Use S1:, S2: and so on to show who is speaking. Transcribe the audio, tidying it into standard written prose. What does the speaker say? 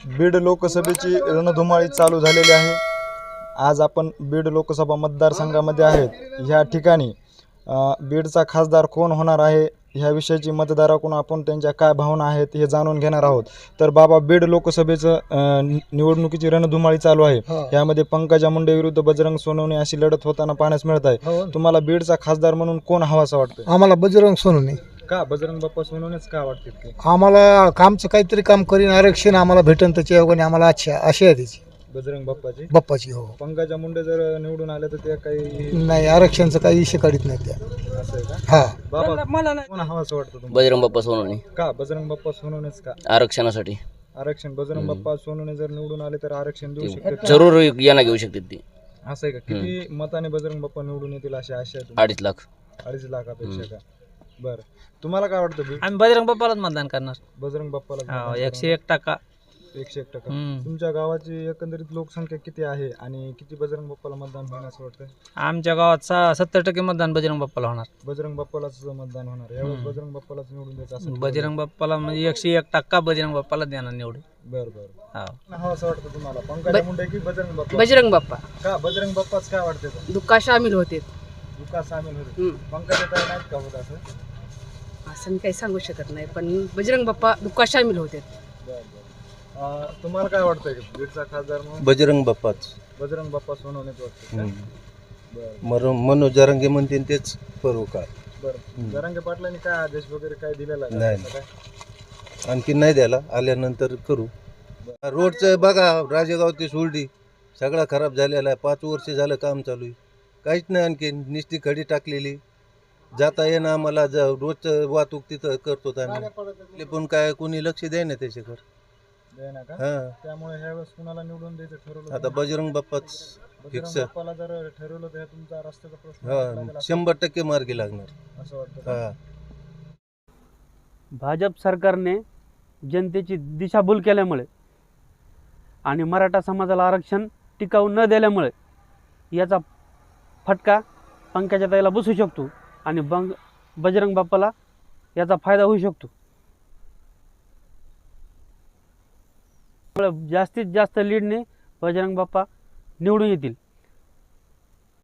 S1: बीड लोकसभेची रणधुमाळी चालू झालेली आहे। आज आपण बीड लोकसभा मतदारसंघामध्ये आहेत। ह्या ठिकाणी बीडचा खासदार कोण होणार आहे ह्या विषयाची मतदाराकडून आपण त्यांच्या काय भावना आहेत हे जाणून घेणार आहोत। तर बाबा, बीड लोकसभेचं निवडणुकीची रणधुमाळी चालू आहे। यामध्ये पंकजा मुंडे विरुद्ध बजरंग सोनवणे अशी लढत होताना पाहण्यास मिळत आहे। तुम्हाला बीडचा खासदार म्हणून कोण हवासा वाटतं?
S2: आम्हाला बजरंग सोनवणे।
S1: का बजरंग बाप्पा सोनवणेच का वाटते?
S2: आम्हाला कामचं काहीतरी काम करीन, आरक्षण आम्हाला भेटन त्याच्या योगाने आम्हाला आशा आहे त्याची
S1: बजरंग
S2: बाप्पाची। हो,
S1: पंकजा मुंडे जर निवडून आले तर ते काही
S2: नाही, आरक्षणचं काही इशे काढत नाही त्या।
S1: असं आहे का?
S2: हा,
S1: बाबा कोण हवासा वाटतं तुम्हाला?
S3: बजरंग बाप्पा सोनवणे।
S1: का बजरंग बाप्पा सोनवणेच का?
S3: आरक्षणासाठी।
S1: आरक्षण बजरंग बाप्पा सोनवणे जर निवडून आले तर आरक्षण देऊ शकतात?
S3: जरूर यांना घेऊ शकते ती।
S1: असं आहे का? किती मताने बजरंग बाप्पा निवडून येतील अशी आशा आहे?
S3: 2.5 लाख।
S1: 2.5 लाखापेक्षा का? बरं, तुम्हाला काय वाटतं?
S4: आम्ही बजरंग बाप्पालाच मतदान करणार।
S1: बजरंग बाप्पाला?
S4: 101%।
S1: 101%। तुमच्या गावाची एकंदरीत लोकसंख्या किती आहे आणि किती बजरंग बाप्पाला मतदान होणार असं वाटतं?
S4: आमच्या गावात 70% मतदान बजरंग बाप्पाला होणार।
S1: बजरंग बाप्पालाच मतदान होणार यावेळेस? बजरंग बाप्पालाच निवडून द्यायचं असं?
S4: बजरंग बाप्पाला म्हणजे 101% बजरंग बाप्पाला देणार निवडून।
S1: बरं बरं, हा असं वाटतं तुम्हाला पंकजा मुंडे की बजरंग बाप्पा?
S5: बजरंग बाप्पा।
S1: का बजरंग बाप्पाच काय वाटते?
S5: दुःखा सामील होते।
S1: दुःखा सामील होते? पंकजा ताई नाहीत का होत असं?
S5: असं काही सांगू शकत नाही, पण बजरंग बाप्पा दुःखा सामील होते।
S1: तुम्हाला काय वाटतंय बीडचा खासदार म्हणून?
S6: बजरंग बाप्पाच।
S1: बजरंग बाप्पा सोनवणेच वाटतं?
S6: मनोज जरांगे म्हणते तेच करू का?
S1: बरं, जरांगे पाटलांनी काय आदेश वगैरे काय दिलेला आहे?
S6: नाही, आणखी नाही द्यायला, आल्यानंतर करू। रोडचं बघा, राजेगाव ते सुरडी सगळा खराब झालेला आहे। 5 वर्ष झालं काम चालू आहे, काहीच नाही, आणखी निस्ती खडी टाकलेली, जाता येणं आम्हाला रोजचं वाहतूक तिथं करतो आम्ही, पण काय कोणी लक्ष द्याय ना त्याच्याकडे।
S1: त्यामुळे ह्यावेळेस कुणाला निवडून द्यायचं ठरवलं?
S6: आता बजरंग बाप्पाच
S1: बजरंग बाप्पाला जर ठरवलं तर तुमचा रस्त्याचा प्रश्न
S6: 100% मार्गी लागणार
S1: असं वाटतं?
S7: भाजप सरकारने जनतेची दिशाभूल केल्यामुळे आणि मराठा समाजाला आरक्षण टिकाऊ न दिल्यामुळे याचा फटका पंकजाताईला बसू शकतो आणि बजरंग बाप्पाला याचा फायदा होऊ शकतो। जास्तीत जास्त लीडने बजरंग बाप्पा निवडून येतील।